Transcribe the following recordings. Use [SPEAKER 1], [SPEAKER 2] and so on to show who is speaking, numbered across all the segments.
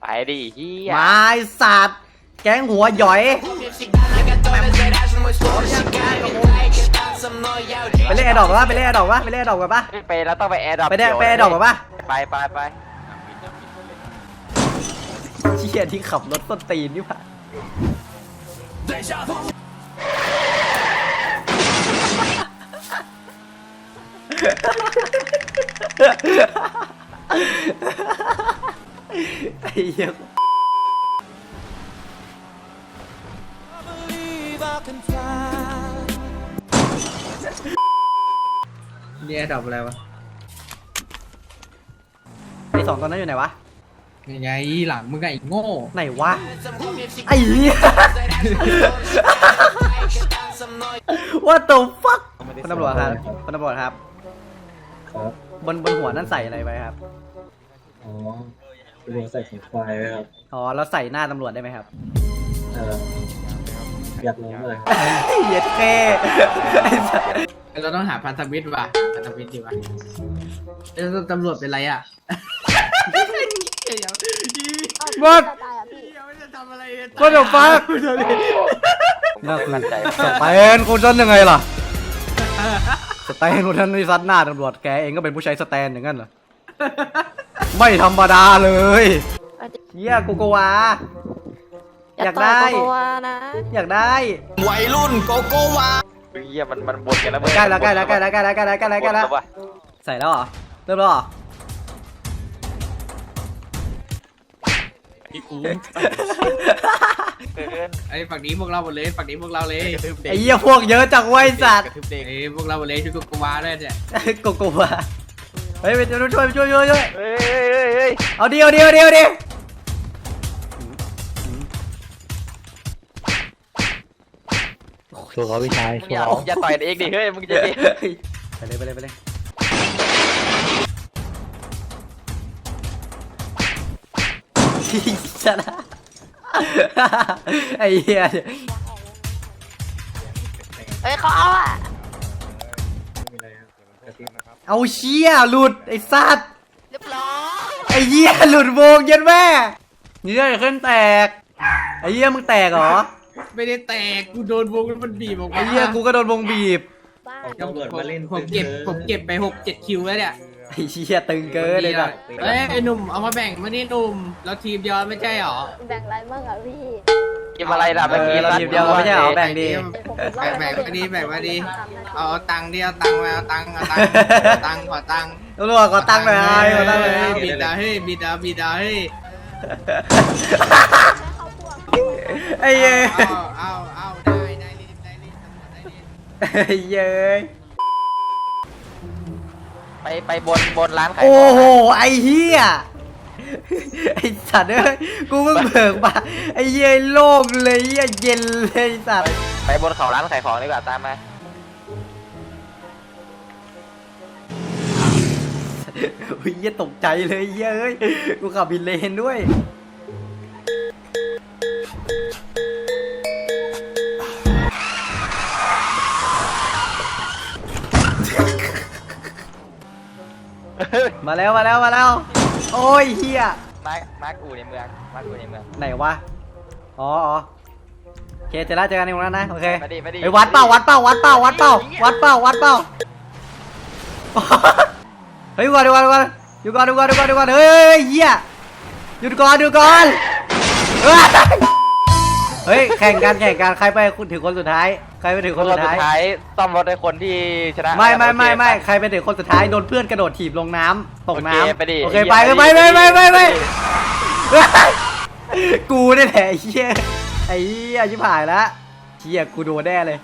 [SPEAKER 1] ไปดิเฮีย
[SPEAKER 2] มาไอ้สัตว์แก๊งหัวหย่อยไปเล่นแอร์ดรอปวะไปเล่นแอร์ดรอปวะไปเล่นแอร์ดรอปกันปะ
[SPEAKER 1] ไปแล้วต้องไปแอร์ดรอป
[SPEAKER 2] ไปแอร์ดรอปกันปะ
[SPEAKER 1] ไป
[SPEAKER 2] เชี่ยที่ขับรถต้นตีนนี่ปะไอ้เหี้ย
[SPEAKER 3] นี่ดับอะไรวะ
[SPEAKER 2] ไอ้สองตัวนั้นอยู่ไหนวะ
[SPEAKER 3] ยังไงหลังมึงไงโง่
[SPEAKER 2] ไหนวะไอ้เหี้ย What the fuck คุณตำรวจครับคุณตำรวจครับบนหัวนั่นใส่อะไรไปครับ
[SPEAKER 4] อ๋อตำรวจใส่ของไฟไว้ครับ
[SPEAKER 2] อ๋อแล้วใส่หน้าตำรวจได้ไหมครับ
[SPEAKER 4] อยากรู้เลย
[SPEAKER 2] เย็ดแค่
[SPEAKER 3] เราต้องหาพันธมิตรว่ะพันธมิตรดีว่ะตำรวจเป็นไรอ่ะ
[SPEAKER 2] วัด
[SPEAKER 3] จะทำอะไร
[SPEAKER 2] ก็เดี๋ยวฟังน่าคือสแตนคนนั้นยังไงล่ะสแตนคนนั้นนี่ซัดหน้าตำรวจแกเองก็เป็นผู้ใช้สแตนอย่างนั้นเหรอไม่ธรรมดาเลยเฮียโกโกวาอยากได้อยากได้
[SPEAKER 1] วัยรุ่นโกโก้วาเฮียมันบนกันแล้วมึง
[SPEAKER 2] ใกล้แล้วใส่แล้วเหรอเริ่มแล้วเหรอ
[SPEAKER 3] ไอ้ฝั่งนี้พวกเราหมดเลยฝั่งนี้พวกเราเลย
[SPEAKER 2] ไอ้เหี้ยพวกเยอะจังไว้สัตว์
[SPEAKER 3] ไอ้พวกเราหมดเลยช่วยกูวาด้วยเนี่ย
[SPEAKER 2] โกโกวาเฮ้ยไปช่วยเอาดิ
[SPEAKER 4] ชัวร์เขาพี่ชายชัวร์
[SPEAKER 1] อย่าต่อยเองดิเฮ้ยมึงจะดิ
[SPEAKER 2] ไปเลยชนะไอ้เหี้ย
[SPEAKER 5] เฮ้ยเขาเอาอ่ะ
[SPEAKER 2] เอาเชี่ยหลุดไอ้สัตว์
[SPEAKER 5] เรียบร้อย
[SPEAKER 2] ไอ้เหี้ยหลุดวงยันแม่นี่ได้ขึ้นแตกไอ้เหี้ยมึงแตกเหรอ
[SPEAKER 3] ไม่ได้แตกกูโดนวงมันบีบออกมา
[SPEAKER 2] ไอ้เหี้ยกูก็โดนวงบีบ
[SPEAKER 3] ผมเก็บไป6-7 คิวแล้วเนี่ย
[SPEAKER 2] ไอ้เชี่ยตึงเกินเลยนะ
[SPEAKER 3] เอ้ยไอ้หนุ่มเอามาแบ่งมานี่หนุ่มเราทีมเดียวไม่ใช่หรอ
[SPEAKER 5] แบ่งอะไรบ้างอ่ะพี่
[SPEAKER 1] กินอะไรล่ะเมื่อกี้
[SPEAKER 2] เราทีมเดียวไม่ใช่หรอแบ่งดี
[SPEAKER 3] แบ่งมาดีเอาตังค์ดิเอาตังค์มาเอาตังค์ขอตังค์
[SPEAKER 2] ตำรวจขอตังค์หน่อยขอตังค์หน่อย
[SPEAKER 3] บิดาเฮ้ยบิดาเฮ้ย
[SPEAKER 2] ไอ้เย้
[SPEAKER 3] เอาได้ลิ้น
[SPEAKER 2] ไอ้เย้
[SPEAKER 1] ไปบนร้านขาย
[SPEAKER 2] โอ้โหไอ้เหี้ยไอ้สัตว์เอ้ยกูเพิ่งเบิกมาไอ้เย้โล่งเลยเย็นเลยสัตว์
[SPEAKER 1] ไปบนเขาร้านขายของดีกว่าตามมา
[SPEAKER 2] เฮ้ยตกใจเลยเย้ยกูขับบินเลนด้วยมาแล้วโอ้ยเฮีย
[SPEAKER 1] มาร์คอูในเมือง
[SPEAKER 2] ไหนวะอ๋อโอเคเจอแล้วเจอกันในตรงนั้นนะโอเคไปวัดเป้าเฮ้ยก่อนอยู่ก่อนเฮ้ยเฮียหยุดก่อนเฮ้ยแข่งกันใครไปถึงคนสุดท้าย
[SPEAKER 1] ซ่อมรถให้คนที่ชนะ
[SPEAKER 2] ไม่ใครไปถึงคนสุดท้ายโดนเพื่อนกระโดดถีบลงน้ำตกน้ำโอเคไปกูนี่แหละไอ้เหี้ยชิบหายแล้วเหี้ยกูโดนแน่เลย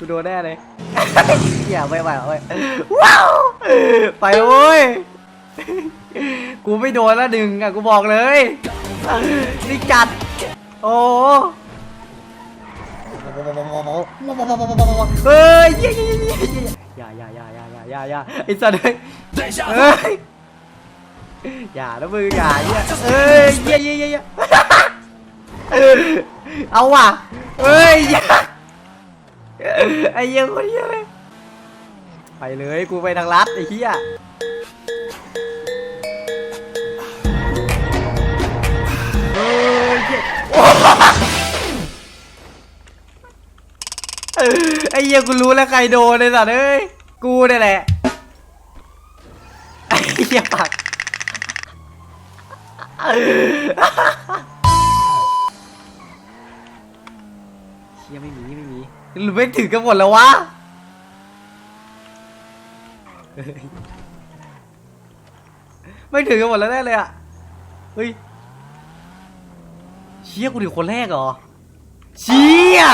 [SPEAKER 2] เหี้ยไม่ไหวเว้ยว้าวไปเว้ยกูไม่โดนละหนึ่งอ่ะกูบอกเลยนี่จัดโอ้เฮ้ยอย่าไอ้สัตว์เฮ้ยอย่านะมึงอย่าเฮ้ยเอาว่ะเฮ้ยไอ้เหี้ยคนเหี้ยเลยไปเลยกูไปทางลัดไอ้เหี้ยเฮ้เหี้ยกูรู้แล้วใครโดนเลยสัตว์เอ้ยกูนี่แหละไอ้เหี้ยปากเชี่ยไม่มีหรือไม่ถึงกันหมดแล้ววะไม่ถึงกันหมดแล้วแน่เลยอ่ะเฮ้ยเชี่ยกูถึงคนแรกเหรอเชี่ย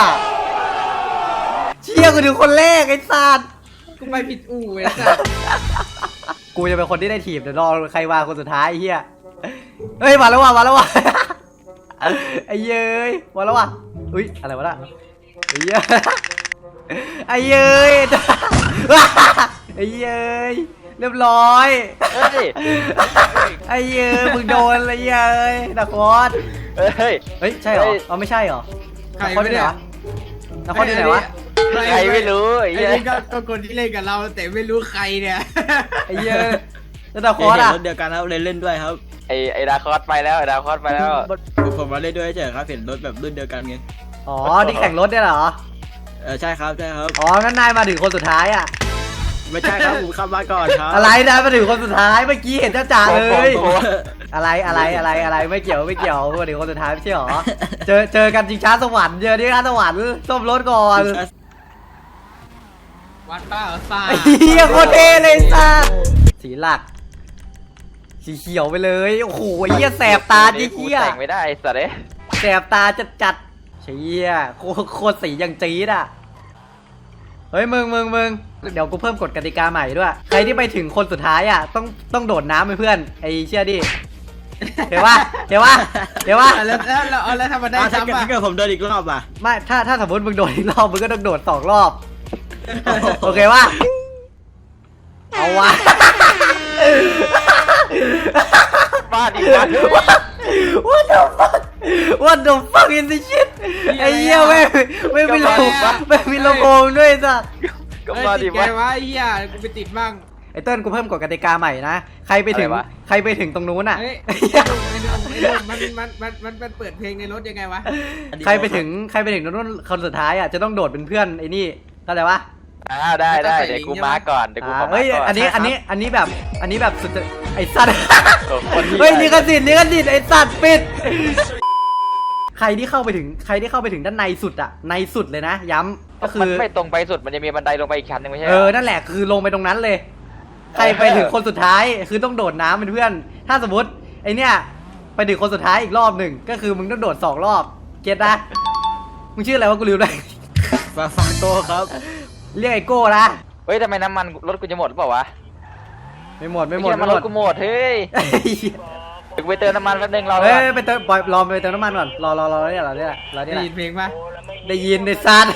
[SPEAKER 2] กูถึงคนแรกไอ้สัตว์
[SPEAKER 3] กูไปผิดอู่ไอ้สัส
[SPEAKER 2] กูจะเป็นคนที่ได้ถีบเดี๋ยวรอใครมาคนสุดท้ายไอ้เหี้ยเฮ้ยมาแล้วว่ะไอ้เย้ยมาแล้วว่ะอุ้ยอะไรวะน่ะไอ้เย้ยไอ้เย้ยไอ้เย้ยเรียบร้อย
[SPEAKER 1] เฮ้ย
[SPEAKER 2] ไอ้เย้ยมึงโดนเลยเย้ยนักคอส
[SPEAKER 1] เฮ้ย
[SPEAKER 2] เฮ้ยใช่เหรออ๋อไม่ใช่เหรอ
[SPEAKER 3] ใคร
[SPEAKER 2] นักคอสที่ไหนวะนักคอสที่ไหนวะ
[SPEAKER 1] ใครไม่รู้ไอ้
[SPEAKER 3] ไอ้
[SPEAKER 1] เหี้ย
[SPEAKER 3] นี่ก็คนที่เล่นกับเราแต่ไม่รู้ใครเนี่ย
[SPEAKER 2] ไอ้เย้ยแล้วนักคอสอ่ะ
[SPEAKER 6] รถเดียวกันครับเล่นด้วยครับ
[SPEAKER 1] ไอ้ดาคอสไปแล้วไอ้ดาคอสไปแล้ว
[SPEAKER 6] ผมมาเล่นด้วยเฉยครับเห็นรถแบบรุ่นเดียวกันไง
[SPEAKER 2] อ๋อที่แข่งรถเนี่ยเหรอ
[SPEAKER 6] ใช่ครับใช่ครับ
[SPEAKER 2] อ๋องั้นนายมาถึงคนสุดท้ายอ่ะ
[SPEAKER 6] ไม่ใช่ครับผมขับมาก่อนครับ
[SPEAKER 2] อะไรนายมาถึงคนสุดท้ายเมื่อกี้เห็นจ้าเลย
[SPEAKER 1] โอ้โห
[SPEAKER 2] อะไรไม่เกี่ยวมาถึงคนสุดท้ายไม่ใช่หรอเจอกันจริงช้าสวรรค์เจอที่ช้าสวรรค์ส้มรถก่อน
[SPEAKER 3] วัดป้าเหรอซ่า
[SPEAKER 2] ไอ้เหี้ยโคตรเท่เลยสัสสีหลักสีเขียวไปเลยโอ้โหไอ้เหี้ยแสบตาดิ
[SPEAKER 1] กู
[SPEAKER 2] เหี้ย
[SPEAKER 1] แต่งไม่ได้ไอ้สัตว์เอ้ย
[SPEAKER 2] แสบตาจัดเชี่ยโคตรสีอย่างจี๊ดอ่ะเฮ้ยมึงเดี๋ยวกูเพิ่มกฎกติกาใหม่ด้วยใครที่ไปถึงคนสุดท้ายอ่ะต้องโดดน้ำไปเพื่อนไอ้เชี่ยดิเดี๋ยวว่า
[SPEAKER 3] แล้วทำมาได้
[SPEAKER 6] ถ้า
[SPEAKER 3] ซ้ำอ่ะ
[SPEAKER 6] เกิดผมโดนอีกรอบอ่ะ
[SPEAKER 2] ไม่ถ้าสมมติมึงโดดอีกรอบมึงก็ต้องโดด2 รอบโอเคป่ะเอาวะ
[SPEAKER 1] บ้าดิวะ
[SPEAKER 2] What the fuck is this shit ไอ้เหี้ยไม่มีลำโพงด้วยจ้ะ
[SPEAKER 1] ก็
[SPEAKER 3] เอ้ย
[SPEAKER 1] มา
[SPEAKER 3] ติ
[SPEAKER 1] ดิ
[SPEAKER 3] ดไง
[SPEAKER 1] วะ
[SPEAKER 3] วะไอ้เหี้ยกูไปติดบ้าง
[SPEAKER 2] ไอ้เติ้ลกูเพิ่มกฎกติกาใหม่นะใครไปถึง
[SPEAKER 1] อะไรวะ
[SPEAKER 2] ใครไปถึงตรงนู้นอ่ะ
[SPEAKER 3] เฮ้ยมันเปิดเพลงในรถยังไงวะ
[SPEAKER 2] ใครไปถึงตรงนู้นคนสุดท้ายอ่ะจะต้องโดดเป็นเพื่อนไอ้นี่เข้าใจปะ
[SPEAKER 1] ได้เดี๋ยวกูมาก่อนเดี๋ยวกูขอมา
[SPEAKER 2] เฮ้ย
[SPEAKER 1] ก่อน
[SPEAKER 2] อันนี้แบบสุดจะไอ้สัตว์
[SPEAKER 1] โอ้โหคนที่
[SPEAKER 2] เฮ้ยลิขสิทธิ์ไอ้สัตว์ปิดใครที่เข้าไปถึงด้านในสุดอ่ะในสุดเลยนะย้ำก็คื
[SPEAKER 1] มัน
[SPEAKER 2] อ
[SPEAKER 1] ไม่ตรงไปสุดมันจะมีบันไดลงไปอีกชั้นหนึงไม่ใช่
[SPEAKER 2] นั่นแหละคือลงไปตรงนั้นเลย ใครไปถึงคนสุดท้ายคือต้องโดดน้ำเป็นเพื่อน ถ้าสมมติไอเนี้ยไปถึงคนสุดท้ายอีกรอบหนึ่งก็คือมึงต้องโดด2 รอบเก็ตนะมึงชื่ออะไรวะกูลืมเลย
[SPEAKER 6] ฟาโต้ครับ
[SPEAKER 2] เรียกไอโก้นะ
[SPEAKER 1] เฮ้ยทำไมน้ำมันรถกูจะหมดหรือเปล่าวะ
[SPEAKER 2] ไม่หมด
[SPEAKER 1] ไอ้เหี้ยมันรถกูหมดเฮ้ยเดี๋ยวกูไปเติมน้ำมันแป๊บนึงรอ
[SPEAKER 2] เฮ้
[SPEAKER 1] ก่อน
[SPEAKER 2] ยไปเติมปล่อยรอไปเติมน้ำมันก่อนรอเนี่ยเราเนี่ยแหละ
[SPEAKER 3] ได้ยินเพลงปะ
[SPEAKER 2] ได้ยินในซัด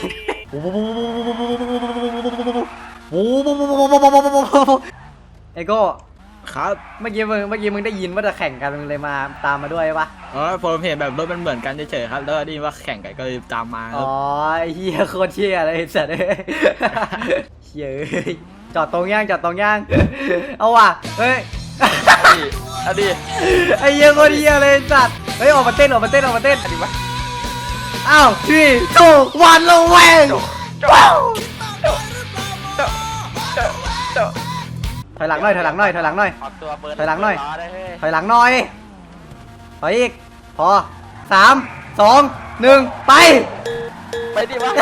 [SPEAKER 2] ไอโก้
[SPEAKER 6] ครับ
[SPEAKER 2] เมื่อกี้มึงได้ยินว่าจะแข่งกันมึงเลยมาตามมาด้วยปะ
[SPEAKER 6] อ๋อผมเห็นแบบรถมันเหมือนกันเฉยๆครับแล้วได้ยินว่าแข่งกันก็เลยตามมาค
[SPEAKER 2] อ๋
[SPEAKER 6] รั
[SPEAKER 2] อบ ไอ้เฮียโคตรเชี่ยเลยไอ้สัตว์เอ้ยเชี่ยเอ้ยจอดตรงย่างเอาว่ะเฮ้ย
[SPEAKER 1] เอาดิ
[SPEAKER 2] ไอ้เหี้ยโคตรเหี้ยเลยไอ้สัตว์เฮ้ยออกมาเต้นดิวะอ้าว3 2 1ลงแวงถอยหลังหน่อย
[SPEAKER 1] ออกตัวเปิด
[SPEAKER 2] ถอยหลังหน่อย
[SPEAKER 1] รได้เฮ้ย
[SPEAKER 2] ถอยหลังหน่อยถอยอีกพอ3 2 1ไป
[SPEAKER 1] ไปดิวะ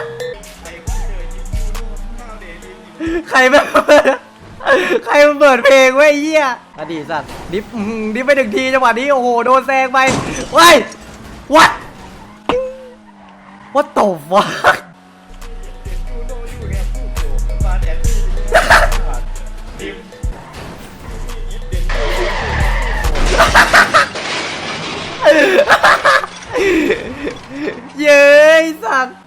[SPEAKER 2] ใครมาเปิดเพลงไว้ไอ้เหี้ยอดีตสัตว์ดิฟไป1 ทีจังหวะนี้โอ้โหโดนแซงไปเว้ย What the fuck เย้ยสัตว์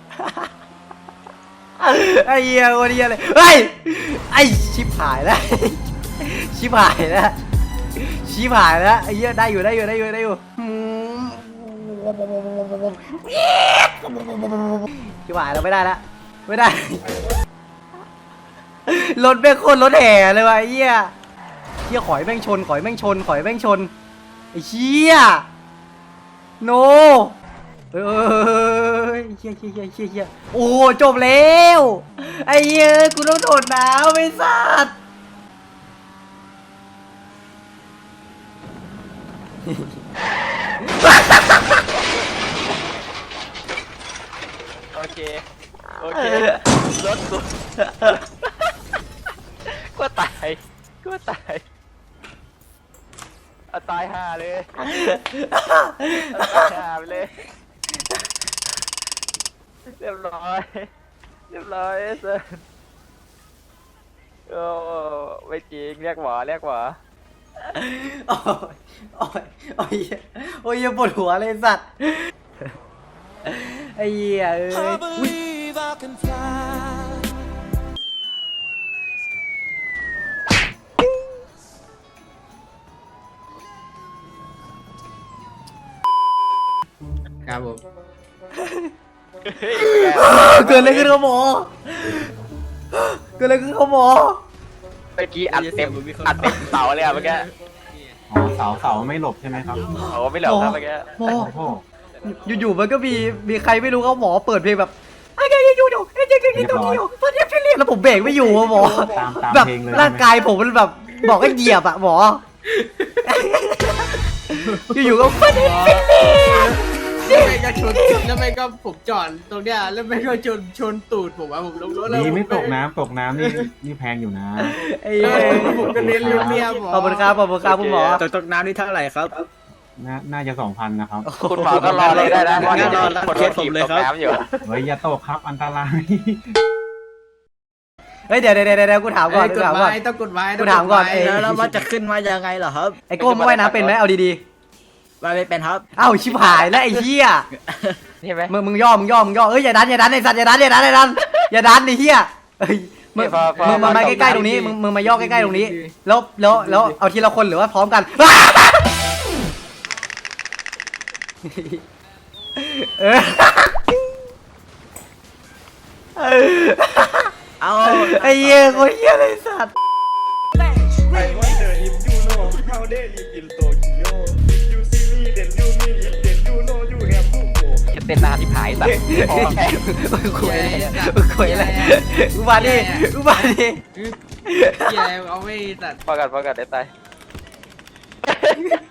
[SPEAKER 2] ไอ้เหี้ยวันนี้อะไรเฮ้ยไอ้ชิบหายแล้วชิบหายแล้วไอ้เหี้ยได้อยู่ชิบหายแล้วไม่ได้รถแม่งโคตรรถแห่เลยว่ะไอ้เหี้ยขอยแม่งชนไอ้เหี้ยโนเอ้ยเฮียโอ้จบแล้วไอ้เหี้ยกูต้องโดดน้ำไอ้สัตว์
[SPEAKER 1] โอเคโอเครถกูก็ตายก็ตายเอาตายห่าเลยเอาตายห่าไปเลยเรียบร้อยเรียบร้อยเซิร์นโอ้ไม่จริงเรียกหวาเรียกหวา
[SPEAKER 2] โอ้ยโอ้ยโอ้ยปวดหัวเลยสัตว์ไอ้เหี้ยเอ้ยอุ๊ย
[SPEAKER 3] ครับผม
[SPEAKER 1] เฮ้ย
[SPEAKER 2] เกิดอะไรขึ้นครับหมอเกิดอะไรขึ้นครับหมอ
[SPEAKER 1] เมื่อกี้อัดเต็มเสาเลยอะเมื่อกี้
[SPEAKER 4] อ๋อเสาไม่หลบใช่ไหมครับ
[SPEAKER 1] โอ้ไม่เหลือครับเมื่อกี้
[SPEAKER 2] หมอ
[SPEAKER 4] โอ้โห
[SPEAKER 2] อยู่ๆมันก็มีใครไม่รู้เขาหมอเปิดเพลงแบบไอ้เหี้ยอยู่ไอ้เหี้ยอยู่ตอนนี้พี่เรียกแล้วผมเบรกไม่อยู่อะหมอ
[SPEAKER 4] ตาม
[SPEAKER 2] แบบ
[SPEAKER 4] เพลงเลย
[SPEAKER 2] ร่างกายผมมันแบบบอกให้เหยียบอะหมออยู่ๆก็ฟินเรีย
[SPEAKER 3] แล้วไม่ก็ชนแล้วไม่ก็ผมจอดตรงเนี้ยแล้วไม่ก็ชนตูดผมอะผมลงรถแล้ว
[SPEAKER 4] ดีไม่ตกน้ำนี่แพงอยู่นะ
[SPEAKER 2] ไอ้เหี้ย
[SPEAKER 3] ผมก็เรียนเรียบหมอ
[SPEAKER 2] ขอบคุณครับคุณหมอ
[SPEAKER 6] ตกน้ำนี่เท่าไหร่ครับ
[SPEAKER 4] น่าจะ 2,000 นะครับ
[SPEAKER 1] คุณหมอก็รอเลยได้นะ
[SPEAKER 6] งั้นรอรับ
[SPEAKER 1] คน
[SPEAKER 6] เคสผมเลยครับ
[SPEAKER 1] ตกน้ำอยู่
[SPEAKER 4] เฮ้ยอย่าตกครับอันตราย
[SPEAKER 2] เฮ้ยเดี๋ยวกูถามก่อน
[SPEAKER 3] ก
[SPEAKER 2] กู
[SPEAKER 3] ฎ
[SPEAKER 2] ถาม
[SPEAKER 3] ห
[SPEAKER 2] ก่อน
[SPEAKER 3] มายต้องกฎหมาย
[SPEAKER 2] กูถามก่อน
[SPEAKER 6] แล้วมันจะขึ้นมายังไงเหรอครับ
[SPEAKER 2] ไอ้โก้มึงว่ายน้ำเป็นไหมเอาดี
[SPEAKER 6] ว่าไม่เป็นครับ
[SPEAKER 2] ๆอ้าวชิบหายแล้วไอ้เหี้ย
[SPEAKER 1] ใช่ไหม
[SPEAKER 2] มึงย่อเอ้ยอย่าดันไอ้สัตว์อย่าดันไอ้เหี้ยเอ้ยมึงมาใกล้ๆตรงนี้มึงมาย่อใกล้ๆตรงนี้แล้วเอาทีละคนหรือว่าพร้อมกันเออ
[SPEAKER 6] เอา
[SPEAKER 2] ไอ้เหี้ยคนเหี้ยเลยสัตว์
[SPEAKER 1] จะเต้นหน้าที่หายสัตว์พอแค่
[SPEAKER 2] มึงคุยอะไรกูมาดิ
[SPEAKER 3] อย่าเอาไม่ตัด
[SPEAKER 1] พอกันได้ตาย